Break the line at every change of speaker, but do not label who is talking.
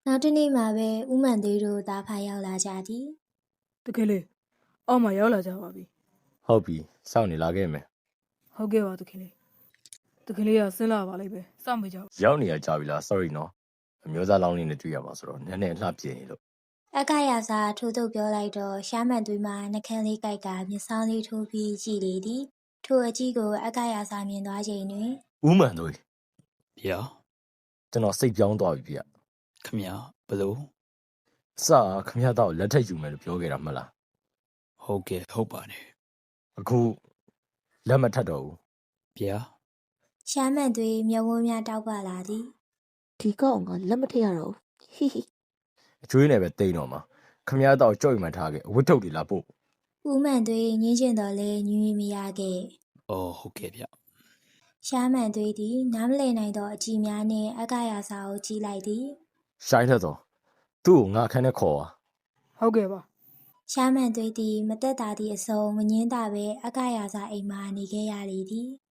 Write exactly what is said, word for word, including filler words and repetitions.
နောက်တစ်နေ့မှာပဲဦးမှန်သေးတို့သားဖာရောက်လာကြသည်
တကယ်လေအောက်မှာရောက်လာကြပါပြီ
ဟုတ်ပြီစောင့်နေလာခဲ့မယ်
ဟုတ်ကဲ့ပါတကယ်လေတကယ်လေးကဆင်းလာပါလိမ့်မယ်စောင့်မေးကြပါ
ရောက်နေရကြပြီလား sorry နော်အမျိုးသားလောင်းလေးနဲ့တွေ့ရမှာဆိုတော့နည်းနည်းအလှပြင်းလို့
အကရာစာထိုးထုတ်ပြောလိုက်တော့ရှားမှန်သွေးမှာနှကန်းလေးကိုက်ကမျက်စောင်းလေးထိုးပြီးကြည်လေသည်ထိုအကြည့်ကိုအကရာစာမြင်သွားချိန်တွင်
ဦးမှန်တို့
ဗျာ
ကျွန်တော်စိတ်ပြောင်းသွားပြီဗျ
ခမရဘလို့
အစခမရတော့လက်ထက်ယူမယ်လို့ပြောခဲ့တာမဟုတ်လား
ဟုတ်ကဲ့ဟုတ်ပါတယ်
အခုလက်မထက်တော့ဘူး
ဗျာ
ရှားမှန်သွေးမျက်ဝန်းများတောက်ပလာသည်
ဒီကောင်ကလက်မထည့်ရတော့ဟီဟီ
အကျွေးနဲ့ပဲတိတ်တော့မှာခမရတော့ကြောက်ရွံ့ထားခဲ့အဝတ်ထုတ်တွေလာပို့
ဦးမှန်သွေးငင်းကျင်တော်လဲညွှင်မရခဲ့
အော်ဟုတ်ကဲ့ဗျ
ရှားမှန်သွေးသည်နားမလည်နိုင်သောအကြည့်များနှင့်အကရာစာကိုကြည့်လိုက်သည်
ရှိုင်းထက်တော့သူ့ကိုငါခန်းနဲ့ခေါ်ပါ
ဟုတ်ကဲ့ပါ
ရှားမှန်သွေးသည်မတက်တာသည့်အစုံမငင်းတာပဲအကရာစာအိမ်မှနေခဲ့ရလေသည်